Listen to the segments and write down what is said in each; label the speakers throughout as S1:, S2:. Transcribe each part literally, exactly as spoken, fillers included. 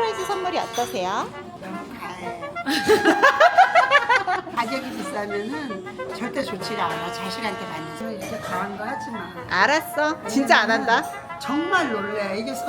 S1: 서프라이즈 선물이 어떠세요?
S2: 너무 가해요. 가격이 비싸면은 절대 좋지가 않아. 자식한테 받는 거. 이렇게 강한 거 하지 마.
S1: 알았어. 진짜 안 한다.
S2: 정말 놀래. 이게 소...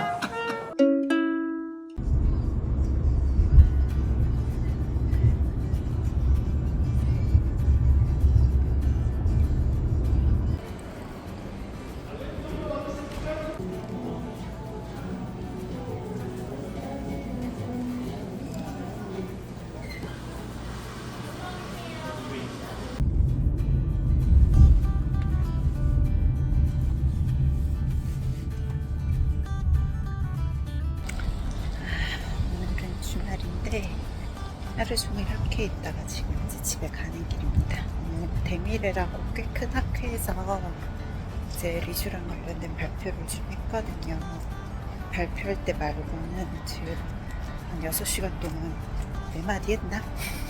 S1: 오늘은 주말인데 하루 종일 학교에 있다가 지금 이제 집에 가는 길입니다. 오늘 데미레라고 꽤 큰 학회에서 이제 리슈랑 관련된 발표를 좀 했거든요. 발표할 때 말고는 지금 한 여섯 시간 동안 네 마디 했나?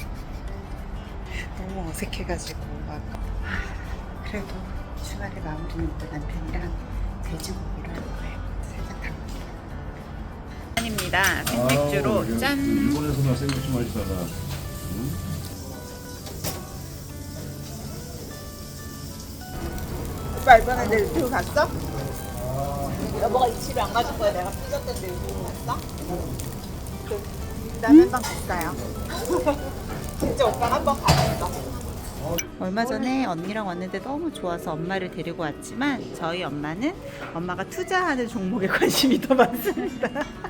S1: 너무 어색해가지고 막 그래도 주말에 마무리는 또 남편이랑 돼지고기를 할 거예요. 살짝 담기 입니다. 생맥주로
S3: 아우,
S1: 짠.
S3: 일본에서나 생맥주 마시다가 응?
S1: 오빠 이번에 내 들고 갔어? 여보가 이 집에 안 가줄 거야. 내가 삐졌던데 들고 갔어? 그 라면방 갔어요. 진짜 오빠 한 번 갔어. 얼마 전에 언니랑 왔는데 너무 좋아서 엄마를 데리고 왔지만 저희 엄마는 엄마가 투자하는 종목에 관심이 더 많습니다.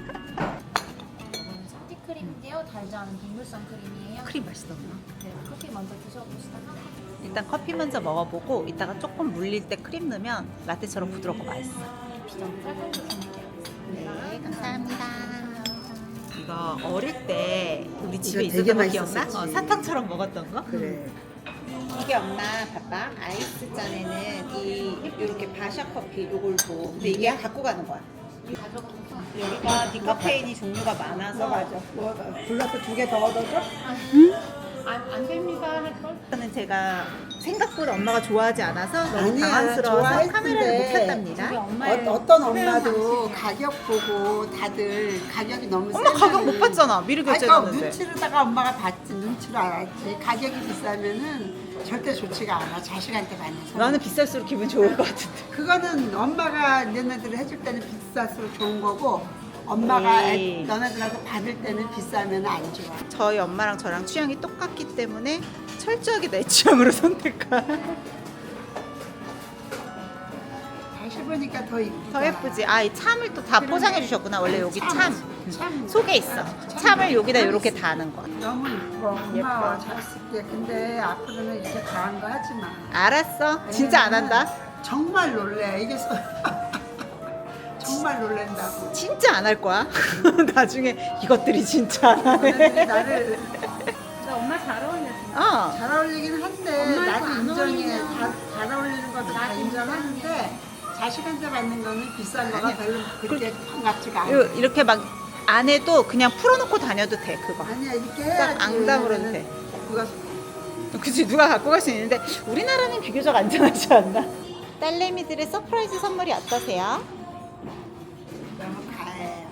S4: 이거는 사티크림인데요. 달지 않은 동물성 크림이에요.
S1: 크림 맛있어.
S4: 네, 커피 먼저 드셔보시다가
S1: 일단 커피 먼저 먹어보고 이따가 조금 물릴 때 크림 넣으면 라떼처럼 부드럽고 맛있어.
S4: 비전 쌀국수 준비되어 있습니다.
S1: 네, 감사합니다. 이거 어릴 때 우리 집에
S2: 이거 되게
S1: 있었던 거 기억나?
S2: 맛있었지.
S1: 어, 사탕처럼 먹었던 거?
S2: 그래.
S1: 이게 엄마 봐봐. 아이스 잔에는 이 이렇게 바샤 커피 요걸 줘. 근데 이게 갖고 가는 거야. 여기가 디카페인이 종류가 많아서
S2: 맞아. 뭐 불러서 두 개 더 얻어줘?
S4: 안, 안 됩니다. 할걸?
S1: 저는 제가 생각보다 엄마가 좋아하지 않아서 너무
S2: 아니야,
S1: 당황스러워서
S2: 좋아했는데.
S1: 카메라를 못 켰답니다.
S4: 우리 엄마의
S2: 어, 어떤
S4: 특별한
S2: 엄마도
S4: 방식이에요.
S2: 가격 보고 다들 가격이 너무
S1: 엄마 가격 못
S2: 세면은-
S1: 봤잖아. 미리
S2: 아니, 그러니까
S1: 결제했는데.
S2: 눈치로다가 엄마가 봤지. 눈치로 알았지. 가격이 비싸면은 절대 좋지가 않아. 자식한테 받는 거.
S1: 나는 비쌀수록 기분 좋을 것 같은데.
S2: 그거는 엄마가 너네들 해줄 때는 비쌀수록 좋은 거고 엄마가
S1: 에이.
S2: 애, 너네들한테 받을 때는 비싸면 안 좋아.
S1: 저희 엄마랑 저랑 취향이 똑같기 때문에 철저하게 내 취향으로 선택한.
S2: 다시 보니까 더 이쁘다.
S1: 더 예쁘지? 아, 이 참을 또 다 포장해 주셨구나. 원래 여기 참,
S2: 참.
S1: 속에 있어. 참을 여기다 이렇게 다는 거.
S2: 너무 이뻐. 고마워. 잘 쓸게. 근데 앞으로는 이렇게 강한 거 하지 마.
S1: 알았어. 진짜 안 한다.
S2: 정말 놀래. 이게 소... 정말 놀랜다고.
S1: 진짜 안 할 거야. 나중에 이것들이 진짜 안 하네.
S2: 너네들이 나를
S4: 근데 엄마 잘 어울려. 진짜.
S1: 어.
S2: 잘 어울리긴 한데
S4: 엄마하고
S2: 나도
S4: 안
S2: 인정해.
S4: 어울리면
S2: 다, 잘 어울리는 것도 다
S4: 나도
S2: 인정하는데 자식한테 받는 거는 비싼 거가 별로 그렇게 반갑지가 않아.
S1: 요- 이렇게 막 안 해도 그냥 풀어놓고 다녀도 돼, 그거.
S2: 아니야 이렇게 해야지.
S1: 딱 앙담으로도
S2: 왜냐면은
S1: 돼.
S2: 그거
S1: 그치, 누가 갖고 갈 수 있는데 우리나라는 비교적 안전하지 않나? 딸내미들의 서프라이즈 선물이 어떠세요?
S2: 너무 가해요.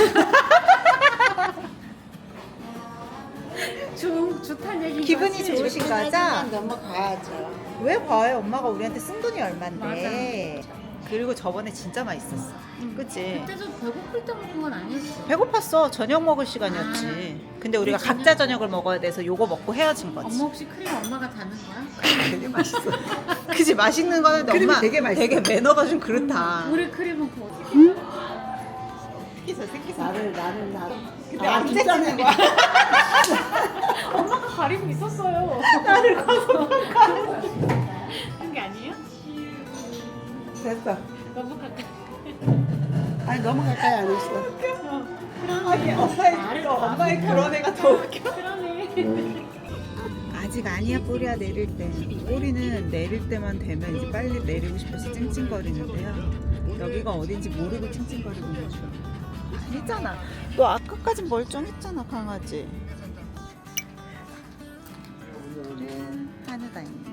S4: 좋, 좋다는 얘기.
S1: 기분이 좋으신 거죠?
S2: 하지만 너무 가야죠.
S1: 왜 봐요? 엄마가 우리한테 쓴 돈이 얼만데. 그리고 저번에 진짜 맛있었어. 그치?
S4: 그때도 배고플 때 먹은 건 아니었어.
S1: 배고팠어. 저녁 먹을 시간이었지. 근데 우리가
S4: 우리
S1: 각자 저녁을 먹어야 돼서 요거 먹고 헤어진 거지.
S4: 엄마 혹시 크림 엄마가 다는 거야?
S2: 되게 맛있어.
S1: 그치, 맛있는 거는
S2: 크림이
S1: 엄마
S2: 되게 맛있어.
S1: 되게 매너가 좀 그렇다.
S4: 우리 크림은 그 어떻게?
S1: 새끼서 새끼서.
S2: 나를 나를 나를.
S1: 근데
S2: 아,
S1: 안
S2: 진짜
S1: 째지는
S2: 거야.
S4: 엄마가 가리고 있었어요.
S1: 나를 거서
S4: 그런 게 아니에요?
S2: 됐어.
S4: 너무 가까이.
S2: 아니 너무 가까이 안 했어.
S4: 어,
S1: 아니, 엄마의,
S4: 말을
S1: 엄마의 그런 애가 더 웃겨.
S4: 그러네.
S1: 아직 아니야. 꼬리야 내릴 때. 꼬리는 내릴 때만 되면 이제 빨리 내리고 싶어서 찡찡거리는데요. 여기가 어딘지 모르고 찡찡거리고 있는 중. 아니잖아. 너 아까까진 멀쩡했잖아, 강아지. 오늘은 한우다입니다.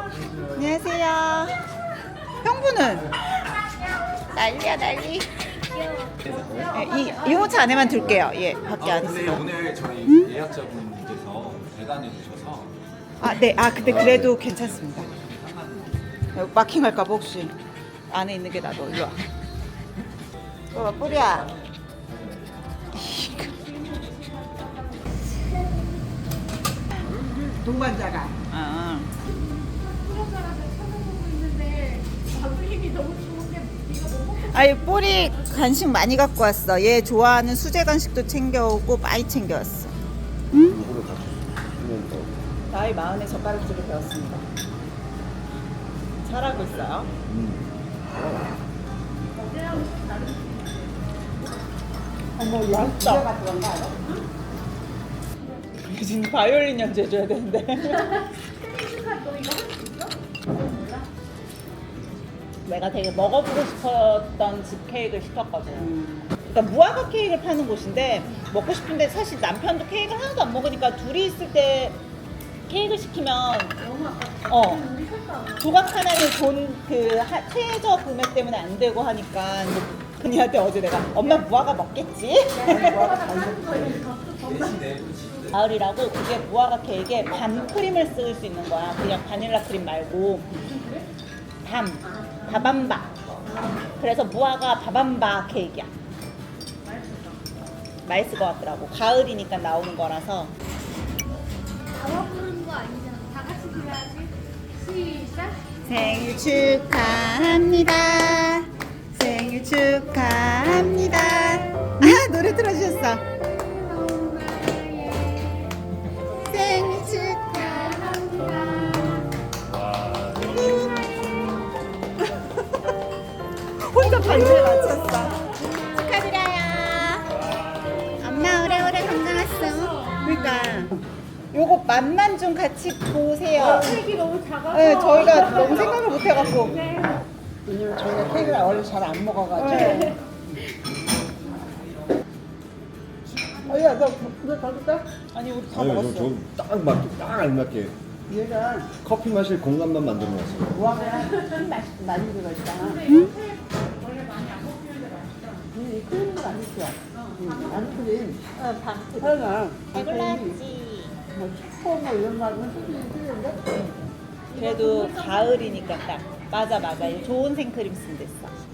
S1: 안녕하세요. 형부는? 난리야 난리. 예, 이 유모차 안에만 둘게요. 예, 밖에 안
S5: 근데
S1: 있어요.
S5: 오늘 저희 예약자분께서 배단해 주셔서
S1: 아, 네. 아, 근데 그래도 괜찮습니다. 여기 마킹할까 봐 혹시 안에 있는 게 나도 일로 와. 어, 뿌리야.
S2: 동반자가.
S1: 아, 아니 뿌리 간식 많이 갖고 왔어. 얘 좋아하는 수제 간식도 챙겨오고 많이 챙겨왔어. 나이 마흔에 젓가락질을 배웠습니다. 잘하고 있어요. 어머, 맛있다. 지금 바이올린 연주해줘야 되는데. 내가 되게 먹어보고 싶었던 집 케이크를 시켰거든. 그러니까 무화과 케이크를 파는 곳인데 먹고 싶은데 사실 남편도 케이크를 하나도 안 먹으니까 둘이 있을 때 케이크 시키면 어 조각 하나는 돈그 최저 금액 때문에 안 되고 하니까 그녀한테 어제 내가 엄마 무화과 먹겠지? 가을이라고 그게 무화과 케이크에 밤 크림을 쓸 수 있는 거야. 그냥 바닐라 크림 말고 밤 바밤바. 그래서 무화과 바밤바 케이크야. 맛있을 것 같더라고. 가을이니까 나오는 거라서.
S6: 나와 부르는 거 아니잖아. 다 같이 불러야지. 시작.
S1: 생일 축하합니다. 생일 축하합니다. 아, 노래 틀어주셨어. 생일 축하. 혼자 반주에 맞췄어. 축하드려요. 엄마 오래오래 건강했어. 그러니까 요거 맛만 좀 같이 보세요.
S6: 색이 너무 작아서.
S1: 네, 저희가 너무 생각을 못 해갖고.
S2: 왜냐면 저희가 케이크를 원래 잘 안 먹어가지고.
S1: 네.
S2: 어야 너 그거 더 줄까?
S1: 아니 우리 다
S3: 아니,
S1: 먹었어.
S3: 저딱 맞게 딱 알맞게
S2: 얘가
S3: 커피 마실 공간만 만들어 놨어요.
S2: 무화과랑 큰 맛이 많이 들어있잖아. 응? 이 크림도 맛있어. 안크림.
S1: 어, 밤.
S2: 하나.
S1: 배불렀지.
S2: 뭐 슈퍼 뭐 이런 말은 쓰기 싫은데.
S1: 그래도 가을이니까 딱 맞아 맞아. 이거 좋은 생크림 쓴 됐어.